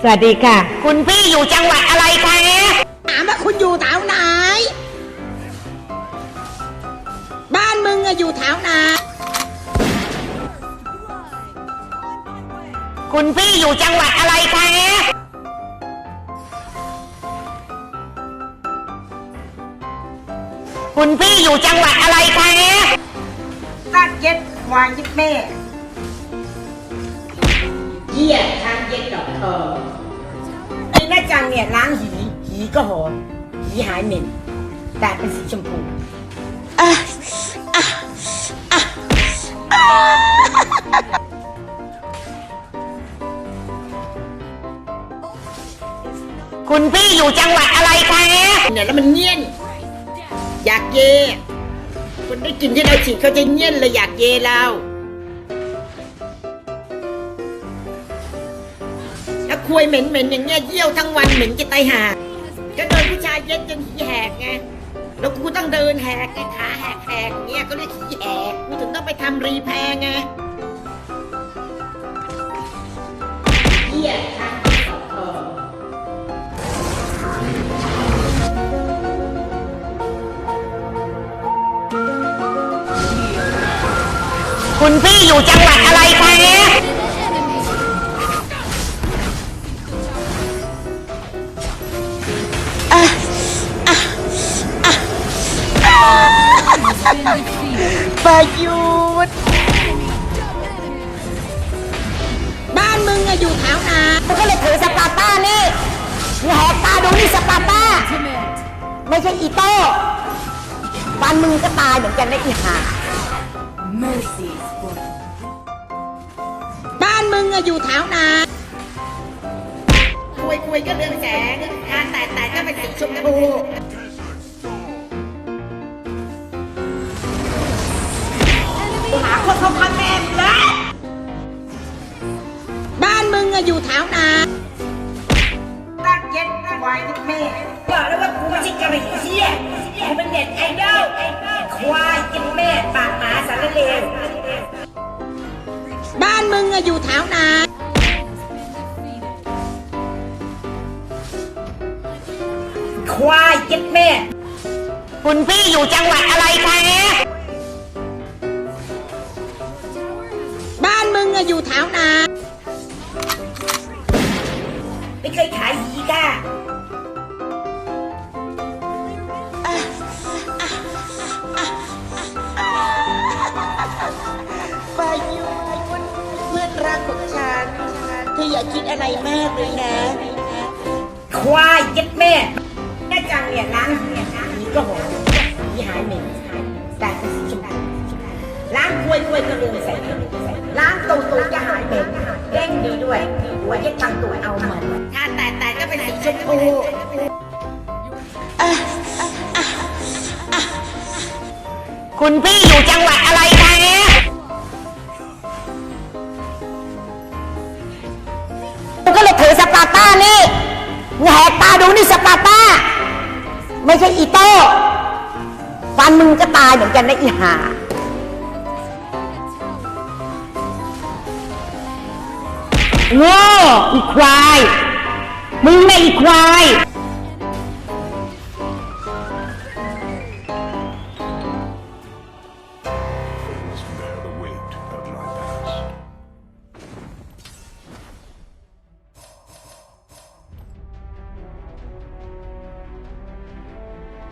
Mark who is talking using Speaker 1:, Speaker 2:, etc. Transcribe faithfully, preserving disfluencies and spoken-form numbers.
Speaker 1: สวัสดีค่ะคุณพี่อยู่จังหวัดอะไรคะ
Speaker 2: ถามว่าคุณอยู่แถวไหนบ้านมึงอะอยู่แถวไหน
Speaker 1: คุณพี่อยู่จังหวัดอะไรคะคุณพี่อยู่จังหวัดอะไรคะ
Speaker 2: ตัดเย็ดวางยิบแม่เยี่ยทางเย็ดดอกทองไอ้แม่จังเนี่ยล้างหีหีก็หอมหีหายเหม็นแต่เป็นสีชมพูอ่ะอ่ะอ่ะ
Speaker 1: คุณพี่อยู่จังหวัดอะไรคะ
Speaker 2: เนี่ยแล้วมันเงี้ยนอยากเยคนได้กินที่เราฉีดเขาจะเงี้ยนเลยอยากเยเราถ้าคุยเหม็นๆอย่างเงี้ยเยี่ยวทั้งวันเหม็นจะตายห่าก็โดนผู้ชายเย็ดจนขี้แหกไงแล้วกูต้องเดินแหกไอ้ขาแหกแหกเงี้ยก็เรียกขี้แหกกูถึงต้องไปทำรีแพร์ไงเยี่ยทางที่สองทอง
Speaker 1: คุณพี่อยู่จังหวัดอะไรคะ
Speaker 2: ประยุทธ์บ้านมึงอะอยู่แถวไหน
Speaker 1: มึงก็เลยถือสปาร์ต้านี่แหกตาดูนี่สปาร์ต้าไม่ใช่อีโต้ฟันมึงก็ตายเหมือนกันนะอีห่า
Speaker 2: บ้านมึงอะอยู่แถวไหนคุยคุยก็เรื่องแสงการแต่แต่ก็เป็นสีชมพูหาคนเขาพันแม่เลยบ้านมึงอะอยู่แถวไหนตักเย็ดควายที่แม่บอกแล้วว่ากูไม่ใช่กระบี่เชี่ยกูเป็นเด็ดไอดอลควายกินแม่ปากหมาสารเลวบ้านมึงอะอยู่แถวไหนควายกินแม่
Speaker 1: คุณพี่อยู่จังหวัดอะไรคะ
Speaker 2: บ้านมึงอะอยู่แถวไหนไม่เคยขายหีก้าปายุเพื่อนรักของฉันเธออย่าคิดอะไรมากเลยนะควายเย็ดแม่แม่จังเนี่ยล้างเนี่ยนี่ก็หอมนี่หายเหม็นแต่เป็นสีชมพูล้างกล้วยกล้วยก็เรืองใส่ล้างตูตูจะหายเหม็นเด้งดีด้วยหัวเย็ดตังตัวเอาเหมือนถ้าแต่แต่ก็เป็นสีชมพู
Speaker 1: คุณพี่อยู่จังหวัดอะไรคะมึงก็เลยถือสปาร์ต้านี่แหกตาดูนี่สปาร์ต้าไม่ใช่อีโต้ฟันมึงก็ตายเหมือนกันนะอีห่าโง่อีควายมึงไม่อีควาย